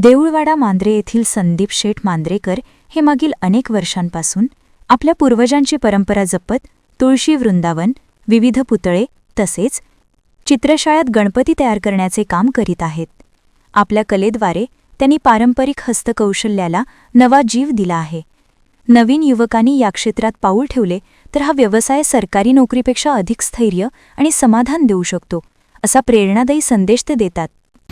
देऊळवाडा मांद्रे येथील संदीप शेठ मांद्रेकर हे मागील अनेक वर्षांपासून आपल्या पूर्वजांची परंपरा जपत तुळशी वृंदावन, विविध पुतळे तसेच चित्रशाळेत गणपती तयार करण्याचे काम करीत आहेत. आपल्या कलेद्वारे त्यांनी पारंपरिक हस्तकौशल्याला नवा जीव दिला आहे. नवीन युवकांनी या क्षेत्रात पाऊल ठेवले तर हा व्यवसाय सरकारी नोकरीपेक्षा अधिक स्थैर्य आणि समाधान देऊ शकतो, असा प्रेरणादायी संदेश ते देतात.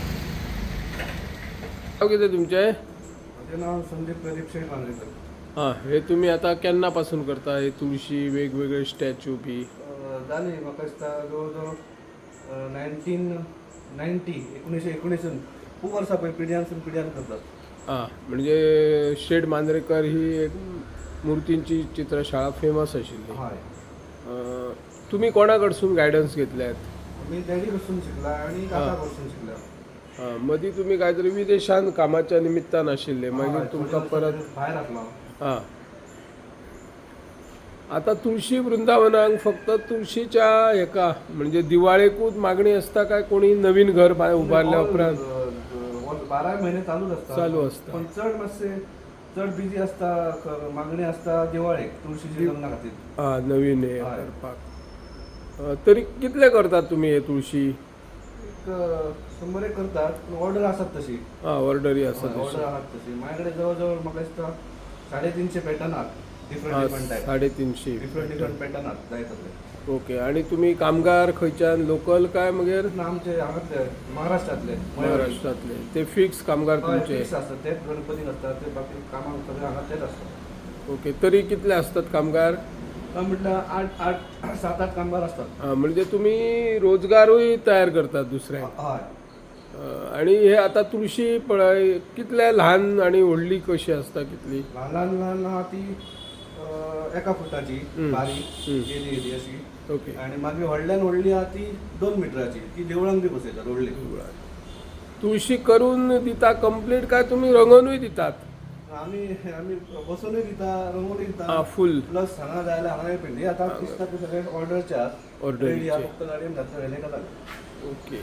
नाव किती तुमचे? माझे नाव संदीप प्रदीप शेठ मांद्रेकर. हां, हे तुम्ही आता केन्नापासून करता? हे तुळशी वेगवेगळे स्टॅच्यू बी जाली म्हाका दिसता जवळ 1919 खूप वर्सां पळय पिढ्यान करतात. हां, म्हणजे शेठ मांद्रेकर ही एक मूर्तींची चित्रशाळा फेमस आशिल्ली. हय, तुम्ही कोणाकडसून गायडन्स घेतल्यात? मी डॅडी पासून शिकला आणि काका पासून शिकला. हां, मदीं तुम्ही काहीतरी विदेशांत कामाच्या निमित्तान आशिल्ले, मागीर तुमकां परत भायर आपलो. हां. आता तुळशी वृंदावनाक फक्त तुळशीच्या हेका म्हणजे दिवाळेकूच मागणी असता काय कोणी नवीन घर उबारल्या उपरांत 12 महिने चालू असता. पण चड बिजी असता, मागणी असता दिवाळेक तुळशीची लग्ना खातीर. हां, नवीन हे करपाक. तरी कितले करतात तुम्ही हे तुळशी? 100 एक करतात, पण ऑर्डर आसात तशी. हां, ऑर्डरी आसात ऑर्डर आहात तशी. माझ्या कडेन जवळ म्हाका दिसता 350 पॅटर्न आहात. Different type. 350 डिफरंट पॅटर्न आहात जाय तसले. ओके. आणि तुम्ही कामगार खंयच्यान लोकल काय मागीर? ना आमचे हांगातले महाराष्ट्रातले. महाराष्ट्रातले ते फिक्स कामगार तुमचे? फिक्स असतात, तेच गणपतीक असतात, ते बाकी कामाक सगळे हांगा तेच असतात. ओके. तरी कितले असतात कामगार? म्हटलं 7-8 कामगार असतात. हां, म्हणजे तुम्ही रोजगारूय तयार करतात दुसऱ्यांक. हय. आणि हे आता तुळशी पळय कितले ल्हान आणि व्हडली कशी असता? कितली? ल्हान आहा ती 1 फुटाची बारीक येदी अशी. ओके. आणि मागीर व्हडली आहा ती 2 मिटराची. ती देवळांक बी बसयतात व्हडली. तुळशी करून दिता कंप्लीट काय तुम्ही रंगवूनय दितात? आमी बसोनूय दिता, रंगोली दिता. हां, फुल. प्लस हांगा जाय जाल्यार हांगाय पेंडी. आतां दिसता ते सगळे ऑर्डरचे आहात. ऑर्डरीचे. फक्त गाडयेन घातले हेले जालें. ओके.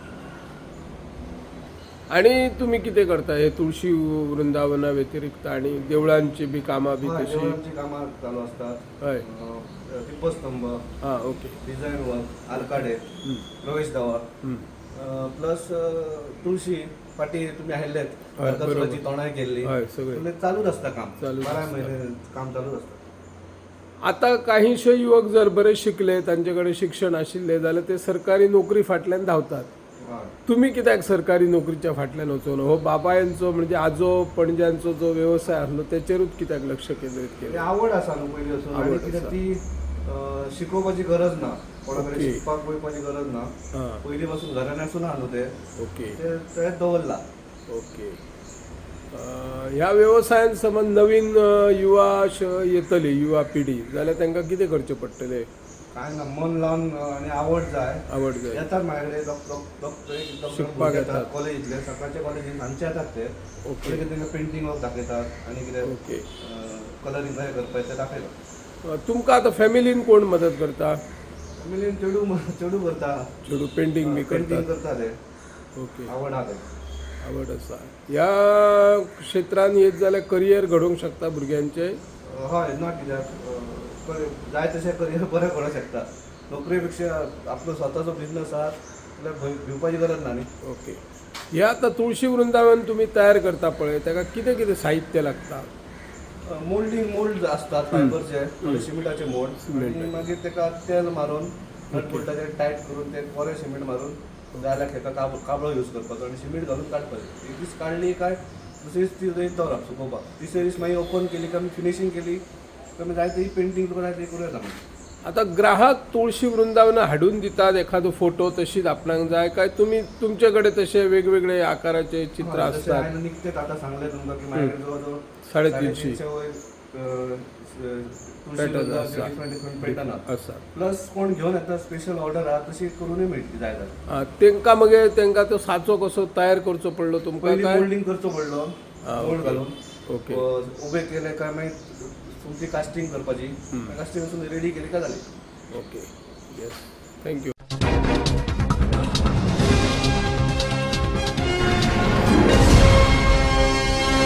आणि तुम्ही कितें करता हे तुळशी वृंदावना व्यतिरिक्त आणि देवळांची बी कामां बी तशी? देवळांची कामां चालू असतात. हय. दीपस्तंभ, हां, ओके. डिझायन वर्क, आरकाडे, प्रवेश दार, प्लस तुळशी फाटी तुम्ही आयिल्लेत, नरकासुराची तोंडाय केल्ली. हय, सगळे चालूच असता काम. चालूच 12 असता. महिने काम चालूच असता. आता काहीशे युवक जर बरे शिकले, तांचे शिक्षण आशिल्ले जाल्यार ते सरकारी नोकरी फाटल्यान धांवतात. तुम्ही कित्याक सरकारी नोकरीच्या फाटल्यान वचून हो बाबायांचो म्हणजे आजो पणज्यांचो जो व्यवसाय आसलो त्याचेरूच कित्याक लक्ष केंद्रीत ती केलें? आवड आसा न्हू पयली वचून. आणि कित्याक ती शिकोवपाची गरज ना, कोणा कडेन ओके. शिकपाक वयपाची गरज ना. हां, पयली पासून घरान आसून आहा न्हू ते ओके. तेच दवरला. ओके. ह्या व्यवसायान समज नवीन येतली युवा पिढी जाल्यार तांकां कितें करचें पडटलें? काय ना, मन लावन आणि आवड जाय. आवड जाय. येतात माझ्या कडेन शिकपाक येतात. कॉलेजीतले, सकाळच्या कॉलेजीन सांजचे येतात ते. ओके. पयलीं तांकां पेंटिंग वर्क दाखयतात आणि कितें ओके. कलरींग कशें करपाचें ते दाखयतात. तुमकां आतां फॅमिलीन कोण मदत करता? फॅमिलीन चेडू करता. चेडू पेंटिंग बी पेंटिंग करतात? करता ते. ओके. आवड आहा ते. आवड आसा. ह्या क्षेत्रान येत जाल्यार करियर घडोवंक शकता भुरग्यांचे? हय, ना कित्याक जाय तशें करियर बरें करूंक शकता. नोकरी पेक्षा आपलो स्वताचो बिझनस आहा जाल्यार भिवपाची गरज ना न्ही. ओके. हे आता तुळशी वृंदावन तुम्ही तयार करता पळय ताका कितें कितें साहित्य लागता? मोल्ड असतात फायबरचे, सिमेंटाचे मोल्ड. आणि मागीर ताका तेल मारून नटबोल्टाचेर टायट करून ते बरें सिमेंट मारून जाल्यार ताका काबळो यूज करपाचो आणि सिमेंट घालून काडपाचें. एक दीस काडली काय दुसरे दीस ती थंय दवरप सुकोवपाक. तिसरे दीस मागीर ओपन केली काय फिनिशींग केली काय जाय ती पेंटिंग तुका जाय ती करूं येता. आता ग्राहक तुळशी वृंदावन हाडून दितात एखादो फोटो तशीच आपणाक जाय काय तुम्ही तुमचे कडेन तशे वेगवेगळे आकाराचे चित्र असतात? हांवें निकतेच आतां सांगलें तुमकां की माझ्या कडेन जवळ जवळ 350 डिफरंट पॅटर्न आसा. प्लस कोण घेवन येता स्पेशल ऑर्डर आहा तशी करूनय मेळटली जाय जाल्यार. तांकां मागीर तांकां तो साचो कसो तयार करचो पडलो तुमकां? पयलीं काय मोल्डिंग करचो पडलो, मोल्ड घालून. ओके. उबे केले काय मागीर तुमची कास्टिंग करपाची. कास्टिंग रेडी केली काय जाली. ओके. येस. थँक्यू.